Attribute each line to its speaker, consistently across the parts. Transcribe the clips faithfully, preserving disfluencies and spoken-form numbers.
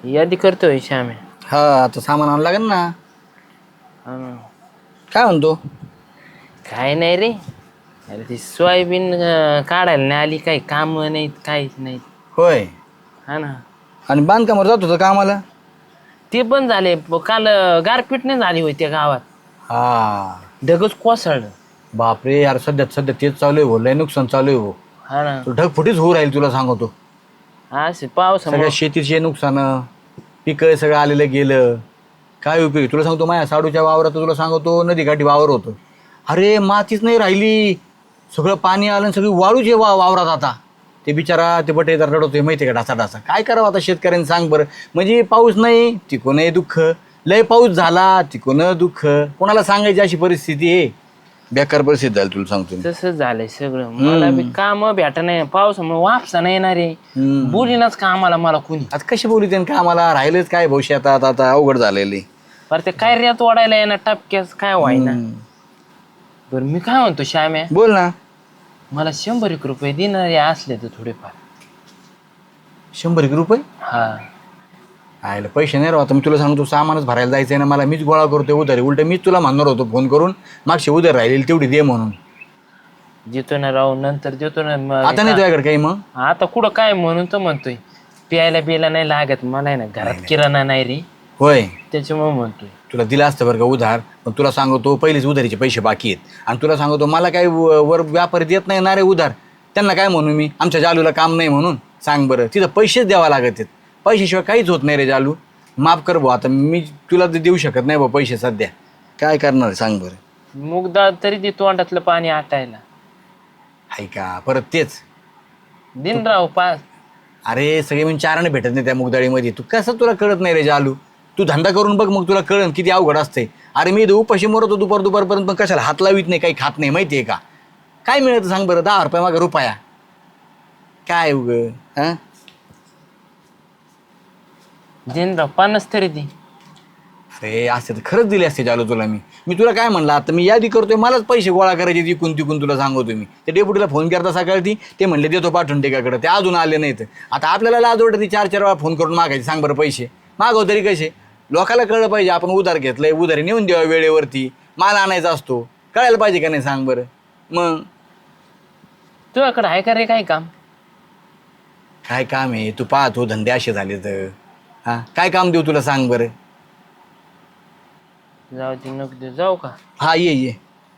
Speaker 1: यादी करतोय श्याम्या.
Speaker 2: हा आता सामान आणावं लागेल ना.
Speaker 1: हा ना.
Speaker 2: काय म्हणतो?
Speaker 1: काय नाही रे. अरे ती सोयाबीन अं, काढायला नाही आली, काही काम नाहीत काहीच नाही.
Speaker 2: होय.
Speaker 1: हा ना.
Speaker 2: आणि बांधकामावर जात होतं कामाला?
Speaker 1: ते पण झाले प- काल अं, गारपीट नाही झाली होती त्या गावात.
Speaker 2: हा.
Speaker 1: ढगच कोसळलं.
Speaker 2: बापरे यार, सध्या सध्या तेच चालू आहे हो, लय नुकसान चालू आहे हो.
Speaker 1: हा ना.
Speaker 2: तू ढगफुटीच होऊ राहील तुला सांगतो.
Speaker 1: असे
Speaker 2: सगळ्या
Speaker 1: पावसामुळं.
Speaker 2: शेतीचे नुकसान, पिकं सगळं आलेलं गेलं. काय उपयोग? तुला सांगतो, माझ्या साडूच्या वावरात तुला सांगतो नदीकाठी वावर होतं. अरे मातीच नाही राहिली, सगळं पाणी आलं आणि सगळी वाळूच आहे वा वावरात आता. ते बिचारा ते बटेदार रडवतोय माहिती आहे का, ढासा ढासा. काय करावं आता शेतकऱ्यांनी सांग बरं. म्हणजे पाऊस नाही तिकोनही दुःख, लय पाऊस झाला तिकोन दुःख. कोणाला सांगायची अशी परिस्थिती आहे. बेकार परिस्थिती झाली तुला सांगतो मी.
Speaker 1: तसंच झालंय सगळं. मला बी काम भेट नाही, पावसामुळे वापसा नाही येणार रे.
Speaker 2: हम्म.
Speaker 1: बोलीनाच कामाला मला कुणी.
Speaker 2: आता कशी बोलू त्यानं का आम्हाला राहिलंच काय भविष्यात, आता आता अवघड झालेली.
Speaker 1: बरं ते काय रेत वाढायला येणार टपक्यास काय व्हायना. बरं मी काय म्हणतो श्याम्या,
Speaker 2: बोल ना.
Speaker 1: मला शंभर एक रुपये देणारे असले तर थोडेफार.
Speaker 2: शंभर एक रुपये?
Speaker 1: हा.
Speaker 2: आयला पैसे नाही राव. आता मी तुला सांगतो, सामानच भरायला जायचं आहे ना मला. मीच गोळा करतोय उधारी. उलट मीच तुला म्हणणार होतो फोन करून, मागशी उधार राहिलेली तेवढी दे म्हणून.
Speaker 1: देतो ना राव, नंतर देतो ना. मग
Speaker 2: आता नाही तुझ्याकडे काही मग?
Speaker 1: आता कुठं काय म्हणून तर म्हणतोय. प्यायला बियायला नाही लागत मला, आहे ना घरात किराणा नाही रे,
Speaker 2: होय.
Speaker 1: त्याच्यामुळे म्हणतोय.
Speaker 2: तुला दिला असतं बरं का उधार, पण तुला सांगतो पहिलेच उधारीचे पैसे बाकी आहेत. आणि तुला सांगतो मला काही व- वर व्यापारी देत नाही ना रे उधार. त्यांना काय म्हणू मी, आमच्या जालूला काम नाही म्हणून? सांग बरं, तिथं पैसेच द्यावा लागत आहेत. पैशाशिवाय काहीच होत नाही रे जालू. माफ कर भाऊ, आता मी तुला ते देऊ शकत नाही बा पैसे सध्या. काय करणार आहे सांग बरं.
Speaker 1: मुगदा तरी ते तोंडातलं पाणी आटायला.
Speaker 2: हाय का परत तेच.
Speaker 1: दिन राव पाच.
Speaker 2: अरे सगळे म्हणजे चाराने भेटत नाही त्या मुगदाळीमध्ये. तू कसं तुला कळत नाही रे जालू. तू धंदा करून बघ, मग तुला कळन किती अवघड असते. अरे मी इथं उपाशी मरतो दुपार दुपारपर्यंत, पण कशाला हात लावित नाही, काही खात नाही माहिती आहे का. काय मिळतं सांग बरं, दहा रुपये मागे रुपया. काय उग हां.
Speaker 1: दिन राव पन्नास तरी दे.
Speaker 2: अरे असते तर खरंच दिले असते जालू तुला मी. मी तुला काय म्हणलं, आता मी यादी करतोय, मलाच पैसे गोळा करायचे तिकून तिकून. तुला सांगतो मी, ते डेप्युटीला फोन करता सकाळी, ते म्हणले देतो पाठवून टेकाकडे, ते अजून आले नाहीत. आता आपल्याला लाज वाटते चार चार वेळा फोन करून मागायचे. सांग बरं पैसे मागव तरी कसे. लोकाला कळलं पाहिजे आपण उधार घेतलंय, उधारी नेऊन द्यावा वेळेवरती. माल आणायचा असतो, कळायला पाहिजे का नाही सांग बरं. मग
Speaker 1: तुझ्याकडे आहे का रे काय काम?
Speaker 2: काय काम आहे, तू पाहतो धंदे असे झाले तर. हां काय काम देऊ तुला सांग बरं.
Speaker 1: जाऊ दे नको दे, जाऊ का?
Speaker 2: हा ये ये.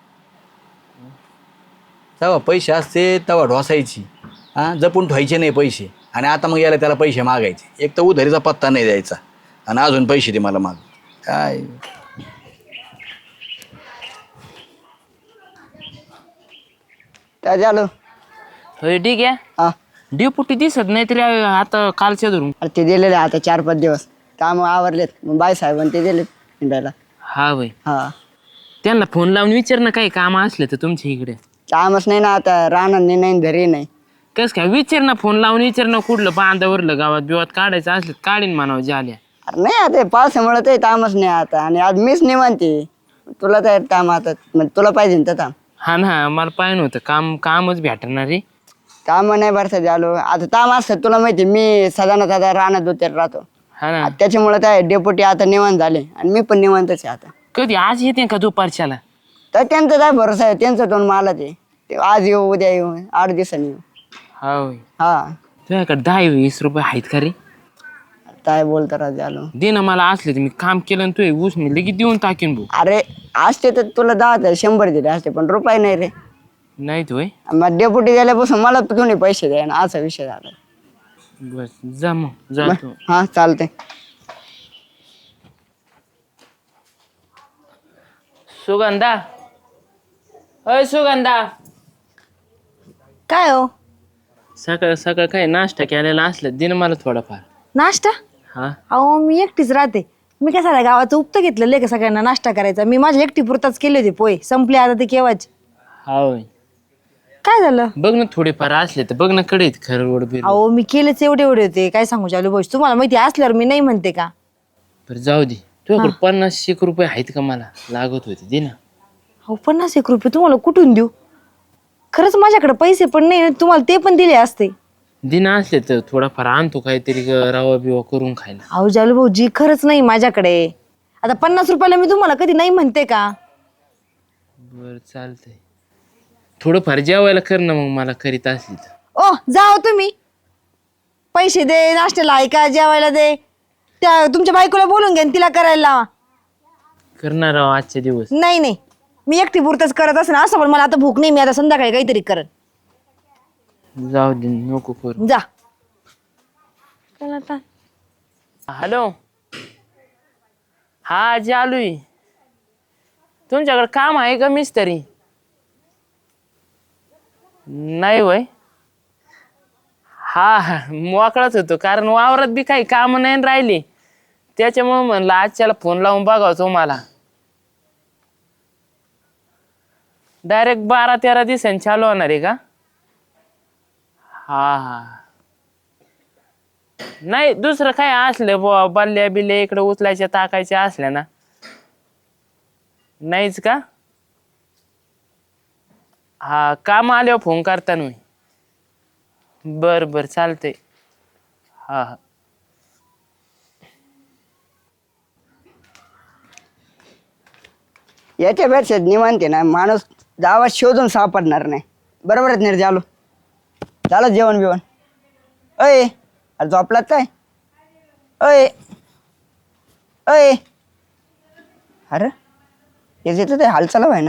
Speaker 2: तेव्हा पैसे असते तेव्हा ढोसायची, हां जपून ठेवायचे नाही पैसे. आणि आता मग याला त्याला पैसे मागायचे. एक तर उधारीचा पत्ता नाही द्यायचा, आणि अजून पैसे दे मला माग. काय
Speaker 3: काय झालं?
Speaker 1: होय ठीक आहे.
Speaker 3: हा.
Speaker 1: डेपुटी दिसत नाही तरी आता कालच्या धरून.
Speaker 3: अरे ते दिलेले आता चार पाच दिवस काम आवरलेत, मग बाई साहेबांनी ते दिलेत हिंडायला.
Speaker 1: हा वय.
Speaker 3: हा.
Speaker 1: त्यांना फोन लावून विचार ना काही काम असले तर तुमच्या इकडे.
Speaker 3: कामच नाही ना आता, राहणार नाही घरी नाही.
Speaker 1: कस काय विचार ना, फोन लावून विचार ना, कुठलं बांधावरलं गावात बिवात काढायचं असलं काढीन म्हणावं झाल्या.
Speaker 3: अरे नाही आता पावसामुळे ते कामच नाही आता, आणि आज मीच निवांती. तुला तर काम आता, मग तुला पाहिजे ना तर काम.
Speaker 1: हा ना, मला पाहिजे होतं काम, कामच भेटणार रे.
Speaker 3: काम नाही बरं झालो आता. काम असतं तुला माहिती, मी सदाना दादा राहणार उतर राहतो.
Speaker 1: हा ना.
Speaker 3: त्याच्यामुळे काय डेपुटी आता निवांत झाले, आणि मी पण निवांतच आहे आता.
Speaker 1: कधी आज येते का दुपारच्याला?
Speaker 3: तर त्यांचा काय भरोसा आहे, त्यांचं दोन मला ते ते आज येऊ उद्या येऊ आठ दिवसांनी येऊ.
Speaker 1: हा होय.
Speaker 3: हा.
Speaker 1: तुझ्याकडे दहा वीस रुपये आहेत का रे?
Speaker 3: काय बोलता राज आलो.
Speaker 1: दे ना मला, असले तर मी काम केलं तू ऊस मी लगेच देऊन टाकीन भाऊ.
Speaker 3: अरे असते तर तुला दहा हजार शंभर दिले असते, पण रुपये नाही रे.
Speaker 1: नाही तू
Speaker 3: मग डेपुटी गेल्यापासून मला तुम्ही पैसे द्या ना, असा विषय झाला.
Speaker 1: बस जा मग जातो.
Speaker 3: हा चालते.
Speaker 1: सुगंधा, अय सुगंधा,
Speaker 4: काय हो?
Speaker 1: सकाळ सकाळ काय नाश्ता केलेला असलं दे ना मला थोडाफार.
Speaker 4: नाश्ता?
Speaker 1: हा.
Speaker 4: अहो मी एकटीच राहते. मी काय साऱ्या गावाचं उपतं घेतलेलं आहे का सगळ्यांना नाश्ता करायचा? मी माझ्या एकटी पुरताच केले होते पोहे, संपले आता ते केव्हाच.
Speaker 1: हा होय.
Speaker 4: काय झालं?
Speaker 1: बघ ना थोडेफार असले तर बघ ना, कडे खरं रोड बिर.
Speaker 4: अहो मी केलेच एवढे एवढे होते, काय सांगू चालू भाऊ, तुम्हाला माहिती असल्यावर मी नाही म्हणते का?
Speaker 1: बरं जाऊ दे. तुझ्याकडे पन्नास एक रुपये आहेत का? मला लागत होते, दे ना.
Speaker 4: अहो पन्नास एक रुपये तुम्हाला कुठून देऊ? खरंच माझ्याकडे पैसे पण नाही, तुम्हाला ते पण दिले असते.
Speaker 1: दिन असले तर थोडाफार आणतो काहीतरी ग- रवा बिवा करून खायला.
Speaker 4: अहो जालू भाऊजी खरंच नाही माझ्याकडे. आता पन्नास रुपयाला मी तुम्हाला कधी नाही म्हणते का?
Speaker 1: बरं चालतंय. थोडंफार जेवायला कर ना मग मला करीत असली तर.
Speaker 4: ओ जाओ तुम्ही. पैसे दे, नाश्त्याला ऐका, जेवायला दे. त्या तुमच्या बायकोला बोलून घ्या आणि तिला करायला लावा.
Speaker 1: करणार आहो आजचे दिवस.
Speaker 4: नाही नाही मी एकटी पुरतच करत असेल असं, पण मला आता भूक नाही. मी आता संध्याकाळी काहीतरी करत.
Speaker 1: जाऊ दे नको करू.
Speaker 4: जा. चला आता.
Speaker 1: हॅलो हा चालू आहे. तुमच्याकडे काम आहे का मिस्त्री? नाही वय. हा हा मोकळाच होतो कारण वावरात बी काही काम नाही राहिले त्याच्यामुळे म्हणलं आजच्याला फोन लावून बघावं तुम्हाला. डायरेक्ट बारा तेरा दिवसांनी चालू होणार आहे का? हा हा नाही दुसरं काय असलं बुवा बल्ल्या बिल्ल्या इकडे उचलायच्या टाकायच्या असल्या ना. नाहीच का? हा काम आल्यावर फोन करता मी. बर बर चालतंय. हा हा
Speaker 3: याच्यापेक्षा निवांत ना माणूस गावात शोधून सापडणार नाही. बरोबर आहेत निर् झालो. झालं जेवण बिवण? अय अरे झोपलात काय? अय अय अरे याचं ते हालचाल आहे ना.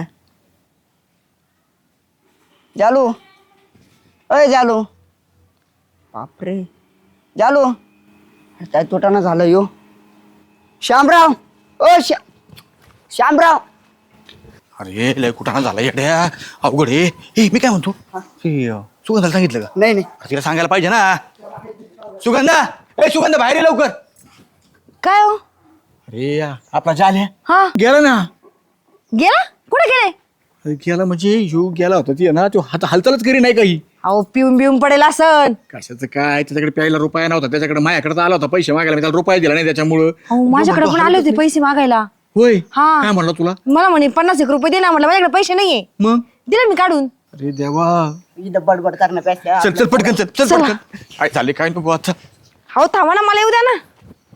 Speaker 3: जालू अय जालू. बापरे जालू अरे काय तोटाना झालं यो. श्यामराव ओ श्या श्यामराव.
Speaker 2: अरे लय कुठाना झाला येड्या अवघड हे. ए, मी काय म्हणतो हे, अं, सुगंधाला सांगितलं का?
Speaker 3: नाही नाही
Speaker 2: तिला सांगायला पाहिजे ना. सुगंधा ए सुगंधा बाहेर ये लवकर.
Speaker 4: काय हो?
Speaker 2: अरे आपला जाल आहे
Speaker 4: हा
Speaker 2: गेला ना.
Speaker 4: गेला? कुठे गेले?
Speaker 2: अरे गेला म्हणजे ह्यो गेला होता ती ना तो हात हालचालच करी नाही काही.
Speaker 4: अहो पिऊन बिऊन पडेल असन.
Speaker 2: कशाचं काय त्याच्याकडे प्यायला रुपया नव्हता त्याच्याकडे माझ्याकडे आला होता पैसे मागायला मी त्याला रुपया दिला नाही त्याच्यामुळं.
Speaker 4: अहो माझ्याकडे पण आले होते पैसे मागायला.
Speaker 2: होय
Speaker 4: हा.
Speaker 2: काय म्हणलं तुला?
Speaker 4: मला म्हणे पन्नास एक रुपये दे ना. म्हटलं माझ्याकडे पैसे नाहीये.
Speaker 2: मग
Speaker 4: दिले मी काढून.
Speaker 2: अरे देवा.
Speaker 3: इथं बडबड करण्यापेक्षा
Speaker 2: चल चल पटकन चल चल
Speaker 4: चला.
Speaker 2: पटकन. काय झाले काय नको आता.
Speaker 4: हो थांबा ना मला येऊ द्या ना.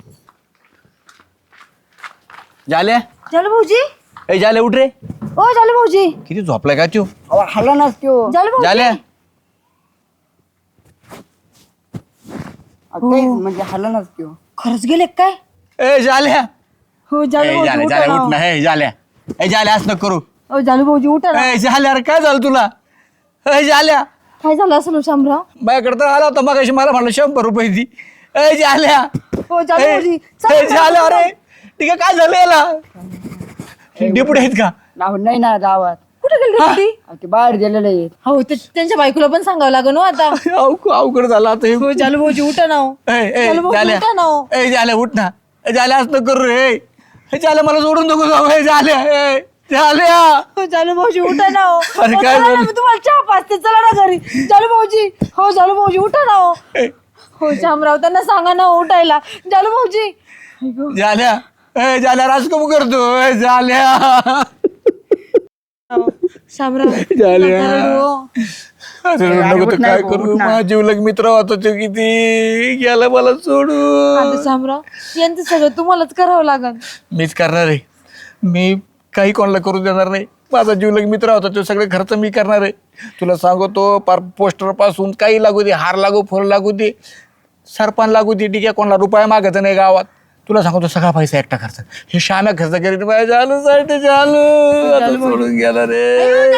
Speaker 2: झाल्या
Speaker 4: जालू भाऊजी.
Speaker 2: ए झाले उठ रे.
Speaker 4: ओ जालू भाऊजी.
Speaker 2: किती झोपलाय का तू?
Speaker 3: अहो, हल्ला नाच त्यो.
Speaker 4: जालू भाऊजी.
Speaker 2: झाल्या
Speaker 3: अहो, काहीच म्हणजे हल्ला नाच त्यो.
Speaker 4: खरंच गेले काय?
Speaker 2: ए झाल्या
Speaker 4: हो जालू
Speaker 2: ए
Speaker 4: भाऊजी
Speaker 2: झाल्या
Speaker 4: उठा
Speaker 2: झाल्या
Speaker 4: ना.
Speaker 2: उठ ना हे झाल्या. ए झाल्या असं नको करू.
Speaker 4: ओ जालू भाऊजी उठा ना.
Speaker 2: ए झाल्या अरे काय झालं तुला? ए झाल्या
Speaker 4: काय झालं असं शामराव?
Speaker 2: माझ्याकडे तर आला होता मग मला म्हणलं शंभर रुपये दी. ए झाल्या
Speaker 4: हो जालू
Speaker 2: ए,
Speaker 4: भाऊजी.
Speaker 2: ए, झालं अरे ठीक आहे काय झालं याला? डेपुटी आहेत का?
Speaker 3: नाव नाही ना गावात.
Speaker 4: कुठे गेली होती?
Speaker 3: अहो, ते बाहेर गेलेले आहेत.
Speaker 4: हो ते त्यांच्या बायकोला पण सांगावं लागेल हो आता.
Speaker 2: अव- अवघड झाला आता हे.
Speaker 4: हो जालू भाऊजी उठा ना हो.
Speaker 2: ए, ए,
Speaker 4: जालू भाऊजी
Speaker 2: झाल्या
Speaker 4: उठा ना हो.
Speaker 2: ए झाल्या उठ ना. ए, झाल्या असं नको करू रे. ए झाल्या मला सोडून नको जाऊ. ए झाल्या ए झाल्या.
Speaker 4: हो जालू भाऊजी उठा ना हो.
Speaker 2: अरे
Speaker 4: हो,
Speaker 2: काय
Speaker 4: चला ना,
Speaker 2: झालं?
Speaker 4: मी तुम्हाला चहा पाचते. चला ना घरी. जालू भाऊजी. हो जालू भाऊजी उठा ना हो.
Speaker 2: ए,
Speaker 4: हो शामराव त्यांना सांगा ना हो उठायला. जालू भाऊजी.
Speaker 2: झाल्या ए झाल्या राज कमू करतो. ए झाल्या
Speaker 4: शामराव
Speaker 2: झाल्या.
Speaker 4: नका रडू हो.
Speaker 2: अरे
Speaker 3: अरे,
Speaker 2: नको
Speaker 3: उठ
Speaker 2: तर
Speaker 3: ना,
Speaker 2: काय
Speaker 3: उठ
Speaker 2: करू.
Speaker 3: ना.
Speaker 2: माझा जीवलग मित्र होता तो किती गेला मला सोडून.
Speaker 4: आता शामराव यांचं सगळं तुम्हालाच करावं लागल.
Speaker 2: मीच करणार आहे. मी काही कोणाला करू देणार नाही. माझा जीवलग मित्र होता तो सगळे खर्च मी करणार आहे. तुला सांगतो पार पोस्टर पासून काही लागू दे हार लागू फुल लागू दे सरपण लागू दे ठीक आहे कोणाला रुपया मागायचा नाही गावात. तुला सांगतो सगळा पैसा एकटा खर्च. हे श्याम्या खर्च करीत पाहिजे झालं साठी झालं आता सोडून गेला रे.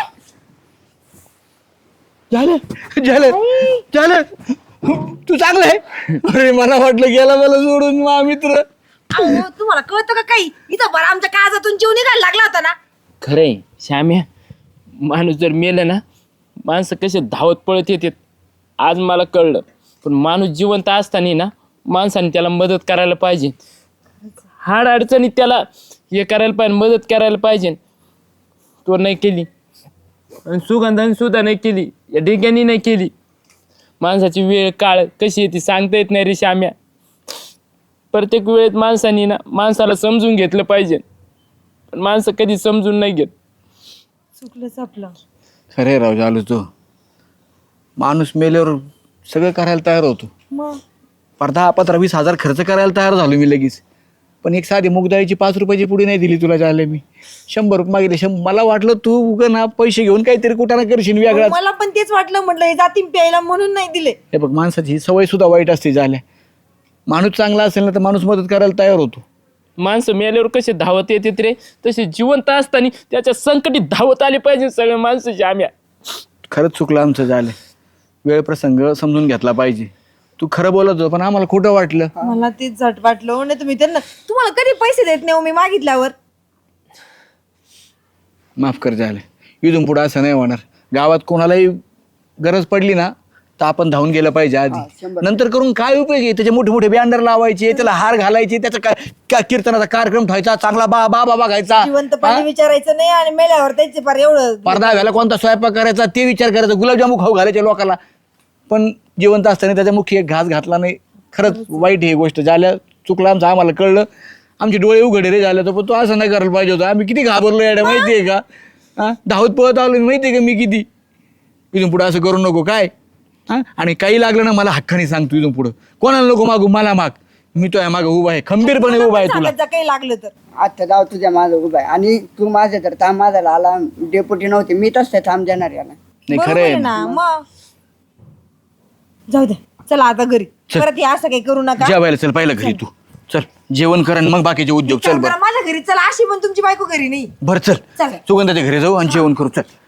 Speaker 2: झालं झालं झालं तू चांगलं आहे. अरे मला वाटलं गेला मला सोडून मा मित्र.
Speaker 4: अहो, तुम्हाला कळतं का काही? इथं बरं आमच्या काळजातून जीव निघायला लागला होता ना.
Speaker 1: खरंय श्याम्या माणूस जर मेलं ना माणसं कसे धावत पळत येतात आज मला कळलं. पण माणूस जिवंत असताना ना माणसाने त्याला मदत करायला पाहिजे. हाड अडचणीत त्याला हे करायला पाहिजे मदत करायला पाहिजे. तो नाही केली आणि सुगंधाने सुद्धा नाही केली. या डिग्यानी नाही केली. माणसाची वेळ काळ कशी येते सांगता येत नाही रे श्याम्या. प्रत्येक वेळेत माणसाने ना माणसाला समजून घेतलं पाहिजे. पण माणसं कधी समजून नाही घेत.
Speaker 4: चुकलंच आपलं.
Speaker 2: खरे राव झालो तो माणूस मेल्यावर सगळं करायला तयार होतो
Speaker 4: मग
Speaker 2: पर दहा पंधरा वीस हजार खर्च करायला तयार झालो मी लगेच. पण एक साधी मुगदाळीची पाच रुपयाची पुडी नाही दिली तुला झाले मी. शंभर रुपये मागितले. शंभर मला वाटलं तू उगं ना पैसे घेऊन काहीतरी कुठं करशील वेगळाच.
Speaker 4: मला पण तेच वाटलं, म्हटलं हे जातीन प्यायला म्हणून नाही दिले.
Speaker 2: हे बघ माणसाची ही सवय सुद्धा वाईट असते झाल्या. माणूस चांगला असेल ना तर माणूस मदत करायला तयार होतो.
Speaker 1: माणसं मेल्यावर कसे धावत येतात रे, तसे जिवंत असताना त्याच्या संकटी धावत आले पाहिजे सगळे माणसं. श्याम्या
Speaker 2: खरंच चुकलं आमचं झालं. वेळ प्रसंग समजून घेतला पाहिजे. तू खरं बोलत होतो पण आम्हाला खोटं वाटलं.
Speaker 4: मला तेच झट वाटलं. नाही तुम्ही त्यांना, तुम्हाला कधी पैसे देत नाही हो मी मागितल्यावर.
Speaker 2: माफ कर झालं. इथून पुढं असं नाही होणार. गावात कोणालाही गरज पडली ना तर आपण धावून गेलं पाहिजे आधी. नंतर करून काय उपयोग आहे. त्याचे मोठे मोठे बॅनर लावायचे, त्याला हार घालायचे, त्याचा काय काय कीर्तनाचा कार्यक्रम ठेवायचा, चांगला बा बा बाबा घायचा,
Speaker 4: जिवंतपणे विचारायचं नाही आणि मेल्यावर त्यांचे फार एवढं
Speaker 2: पडदा घाला, कोणता स्वयंपाक करायचा ते विचार करायचा, गुलाबजामू खाऊ घालायचे लोकांना. पण जिवंत असताना त्याच्या मुखी एक घास घातला नाही. खरंच वाईट ही गोष्ट झाल्या. चुकलं आमचं, आम्हाला कळलं. आमचे डोळे उघडे रे झाले. तर पण तो असं नाही करायला पाहिजे होतं. आम्ही किती घाबरलो याडा माहितीये का. हा धावत पळत आलो माहितीये का मी किती. इथून पुढं असं करू नको काय. हा आणि काही लागलं ना मला हक्काने सांगतो. इथून पुढं कोणाला नको मागू, मला माग. मी तो आहे मागं उभा आहे, खंबीरपणे उभा आहे तुला.
Speaker 4: काही लागलं तर
Speaker 3: आता जाऊ तुझ्या माझं उभा आहे. आणि तू माझ्या तर थांब माझा आला डेपुटी नव्हते मी तसं थांब देणार याला.
Speaker 2: नाही
Speaker 4: बरोबर
Speaker 2: खरं
Speaker 4: आहे
Speaker 2: आहे
Speaker 4: ना. मग जाऊ दे, चला आता घरी.
Speaker 2: चल.
Speaker 4: परत हे असं काही करू नका.
Speaker 2: जेवायला चल पहिलं घरी तू. चल जेवण कर आणि मग बाकीचे उद्योग. चल
Speaker 4: काम
Speaker 2: बरं
Speaker 4: करा, माझ्या घरी चला. अशी पण तुमची बायको घरी नाही.
Speaker 2: बरं चल
Speaker 4: चला.
Speaker 2: सुगंधाच्या घरी जाऊ आणि जेवण करू. चल.